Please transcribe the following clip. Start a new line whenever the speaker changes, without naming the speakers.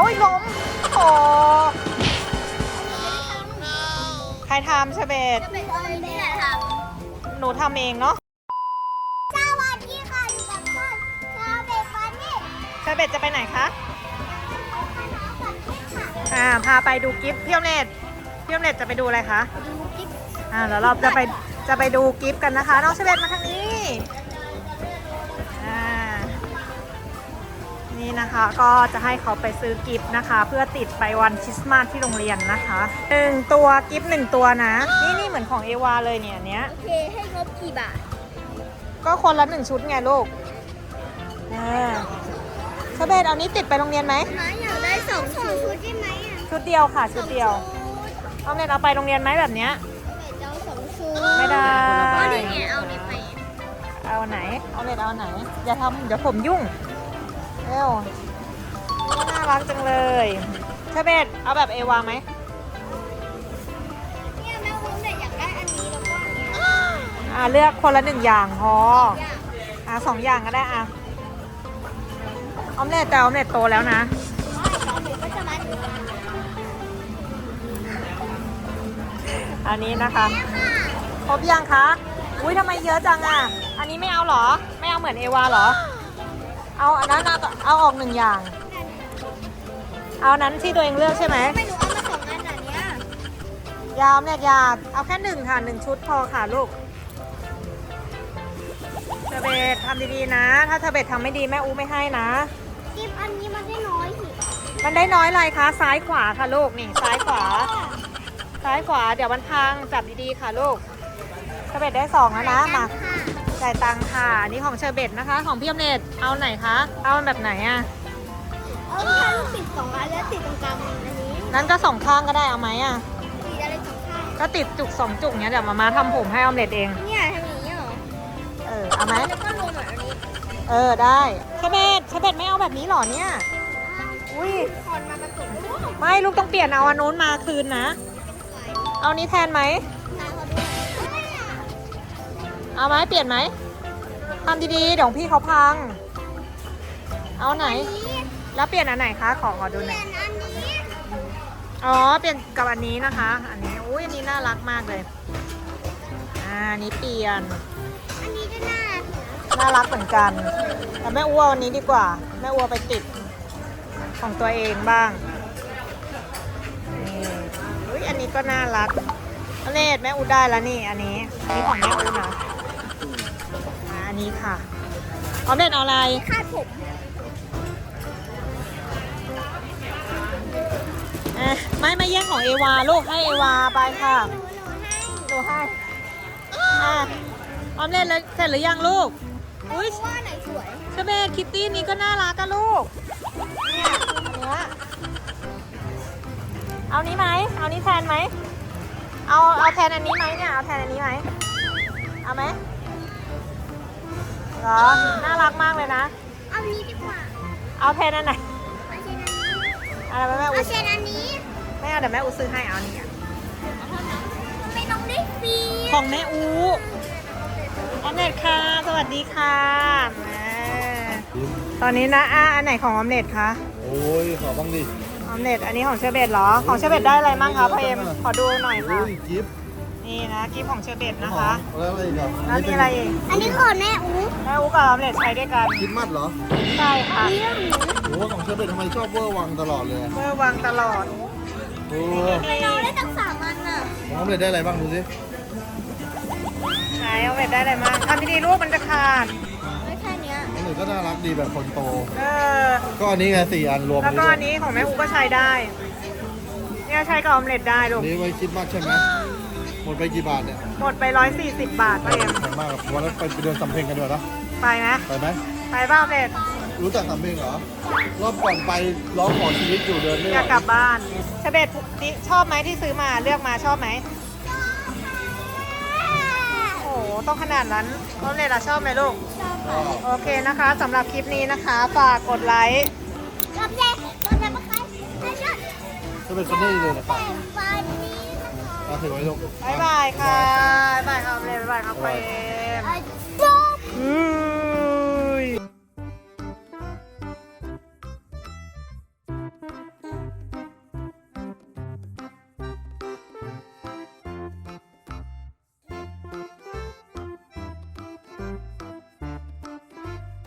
ยล้มโอ้ใครทำเชเบต
จะเป็นอะไรนี่แหละท
หนูทำเองเนาะ
ำสวัสดีค่ะอยู่กับช่องชาวเบฟันนี่
เชเบตจะไปไหนคะ
เอาคณะสัตว์ค่ะ
พาไปดูกิฟต์พี่อมเนตจะไปดูอะไรคะ
ดูกิ๊ก
แล้วเราจะไปดูกิฟต์กันนะคะน้องเชเบตมาทางนี้นี่นะคะก็จะให้เขาไปซื้อกิฟต์นะคะ เพื่อติดไปวันคริสต์มาสที่โรงเรียนนะคะ1ตัวกิฟต์1ตัวนะนี่เหมือนของเอวาเลยเนี่ยเนี้ย
โอเคให้งบกี่บาท
ก็คนละ1ชุดไงลูกเชเบตเอานี้ติดไปโรงเรียนไหม
น้าอยากได้สองชุดได้ไหมอ่ะ
ชุดเดียวค่ะชุดเดียวเอาเน็ตเอาไปโรงเรียนไหมแบบเนี้ย
เจ้าสองชุด
ไม่ได้
ก็นี่ไงเอาเนี่ยไป
เอาไหนเอาเน็ตเอาไหนอย่าทำเดี๋ยวผมยุ่งเร็วน่ารักจังเลยเชเบตเอาแบบเอวาไหม
เนี่ยแม่วุ้นเนี่ยอยากได้อันนี้แล้วก็อันนี้
เลือกคนละ1อย่างพอ
อยาก
2อย่างก็ได้ออมเล็ตแต่ออมเล็ตโตแล้วนะ
ตอนเด็กก็จะมาถึง
อันนี้นะคะครบยังคะอุ้ยทำไมเยอะจังอ่ะอันนี้ไม่เอาเหรอไม่เอาเหมือนเอวาเหรอเอาอันนั้นเอาออก1อย่างเอานั้นที่ตัวเองเลือกใช่ไหม
ไม่รู้เอามาสองอันอันเนี้ย
ยาวเนี่ยยาเอาแค่1ค่ะ1ชุดพอค่ะลูกเทเบตทำดีๆนะ ถ้าเทเบตทำไม่ดีแม่อูไม่ให้นะ
กิฟอันนี้มันได้น้อยสิ
มันได้น้อยอะไรคะซ้ายขวาค่ะลูกนี่ซ้ายขวาเดี๋ยวมันพังจับดีๆค่ะลูกเทเบตได้2แล้วนะมาจ่ายตังค่ะอันนี้ของเชอร์เบตนะคะ ของพี่อมเนตเอาไหนคะเอาแบบไหนอ่ะ
เอาแค่ลูกติดสองอันแล้วติดตรงกลางอันนี้
นั้นก็2ข้างก็ได้เอาไหมอ่ะ
ติดอะไรสองข้าง
ก็ติดจุก2จุกเนี้ยเดี๋ยวมาทำผมให้ออมเนตเอง
เนี่ยทำอย่างนี้เหรอ
เอาไหม
แล้วก็ลงเหมือนอันนี้
ได้เชอร์เบตไม่เอาแบบนี้หรอเนี่ยอุ้ย
คอนมาผสมด้วย
ไม่ลูกต้องเปลี่ยนเอาอันนู้นมาคืนนะ เอานี้แทนไหม
ตาเขาด้วย
เอาไหมเปลี่ยนไหมทำดีๆเดี๋ยวพี่เขาพัง เอาไหน แล้วเปลี่ยนอันไหนคะ ขอดูห
เป
น่
ลี่
อย ย
นอันนี้
อ๋อ เปลี่ยนกับอันนี้นะคะ อันนี้ อุ้ยอันนี้น่ารักมากเลย อันนี้เปลี่ยน
อันนี้ก็น่า
น่ารักเหมือนกัน แต่แม่อ้ววันนี้ดีกว่า แม่อ้วไปติดของตัวเองบ้างนี่อุ้ยอันนี้ก็น่ารักอเนตแม่อูได้แล้วนี่ อันนี้ของแม่อูนะอันนี้ค่ะเอาเนตเอาอะไร
คาดผม
ไม่แย่งของเอวาลูกให้เอวาไปค่ะหนูให้ออมเล่นแล้วเสร็จหรือยังลูกอุ้ย
ว่าไหนสวย
เชเบตคิตตี้นี้ก็น่ารักกันลูกเนี่ยอันเนี้ยเอานี้ไหมเอานี้แทนไหมเอาแทนอันนี้ไหมเนี่ยเอาแทนอันนี้ไหมเอาไหมเหรอน่ารักมากเลยนะ
เอานี้ดีกว่า
เอาแทนอันไหน
เอาเชนอันนี้
อะไรแม่
เอา
อุ
เชนอันนี้
ไม่เอาเดี๋ยวแม่อูซื้อให้เอานี่
ไม่ต้องได้ฟรี
ของแม่อูออมเล็ตค่ะ สวัสดีค่ะแม่ตอนนี้นะอันไหนของออมเล็ตคะ
โอ้ยขอบ้างดิ
ออมเล็ตอันนี้ของเชอร์เบตเหรอ ของเชอร์เบตได้อะไรบ้างคะพ่อเอ็มขอดูหน่อยค่ะ
โอ้ยกิฟต์
นี่นะกิฟต์ของเชอร์เบตนะคะ
แล้วอะไรอีกอ่ะ
แล้วนี่อะไรอีก
อันนี้ของแม่อู
แม่อูกับออมเล็ตใช้ด้วยกัน
คิดมัดเหรอ
ใช่ค่ะ
เรื่องหนู
โอ้ของเชอร์เบตทำไมชอบเวอร์วังตลอดเลย
เมื่อวางตลอด
โอ้
เราได้ตั้ง3อันน่ะ
ของน้องเลยได้อะไรบ้างดูสิ
ไหนออมเล็ตได้อะไรบ้างทำดีๆลูกมันจะขาด
ไม่แค่เนี้ย
น้องเลยก็น่ารักดีแบบคนโต
เออ
ก็อันนี้ไง4 อันรวม
แล้วก็อันนี้ของแม่อูก็ใช้ได้ เนี่ยใช้กับออมเล็ตได้ลูก
นี้ไว้คิดมัดใช่ไหมหมดไปกี่บาทเนี่ย
หมดไป140 บาทพ่อเอ็ม
แพงมากครับวันนั้นไปเดินสำเพ็งกันด้วยนะ
ไปไหม
ไปไหม
ไปบ้าออมเล็ต
รู้จักสำเพ็งเหรอ รอบก่อนไปร้องขอชีวิตอยู่เดินไม่ไห
อยาก
ว
กลับบ้านเชอร์เบตนี่ชอบไหมที่ซื้อมาเลือกมาชอบไหม โอ้โหต้องขนาดนั้นออมเล็ตอะชอบไหมลูก โอเคนะคะสำหรับคลิปนี้นะคะฝากกดไลค์
กับเด็กตัวจะมาใครให้ชด
จะเป็นคนนี้เลยนะครับ
แต่ฟันนี้นะคะ
เอาถือไว้ลูก
บ๊ายบายค่ะบ๊ายบายครับออมเล็ตบ๊ายบายครับไป